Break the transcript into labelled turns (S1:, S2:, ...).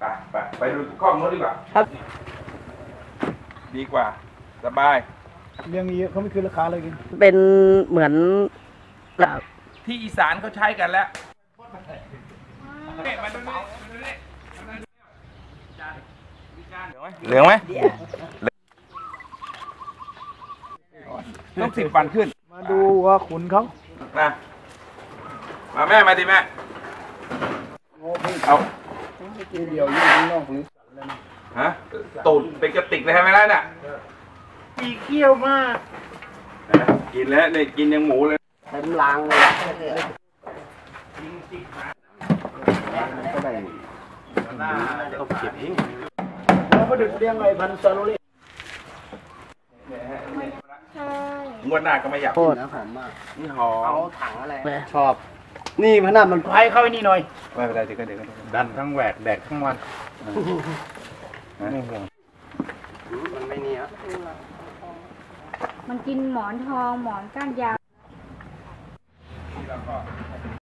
S1: ไปดูข้อมูลดีกว่า
S2: ครับ
S1: ดีกว่าสบาย
S3: เรื่องนี้เขาไม่คืนราคาเลยกิน
S2: เป็นเหมือนกับ
S1: ที่อีสานเขาใช้กันแล้วเหลืองไหมต้อง10 วันขึ้น
S3: มาดูว่าขุนเขา
S1: นะมาแม่มาดิแม่เอา
S3: ทีเดียวยิ่งนอกหรือ
S1: ฮะตูดเป็นกระติกเลยใช่ไหมล่ะเนี่ย
S3: ปีเขี้ยวมาก
S1: กินแล้วเนี่ยกินยังหมูเลย
S2: เต็มลังเลย
S3: ก็ได้ต้องเก็บเองเราก็ดึกเลี้ยงไอ้พันซาโลเล่
S1: งวดหน้าก็ไม่อยาก
S2: โคตร
S3: หอมมาก
S1: นี่หอม
S2: ถังอะไร
S3: ชอบ นี่พนันมันไพ่เข้าไอ้นี่หน่อย
S1: ไม่เป็นไรเดี๋ยวก็
S3: ดันทั้งแหวกแดกทั้งวันไม่ห่วง
S2: มันไม่นี่ครับ
S4: มันกินหมอนทองหมอนก้านยาว
S1: แล้วก็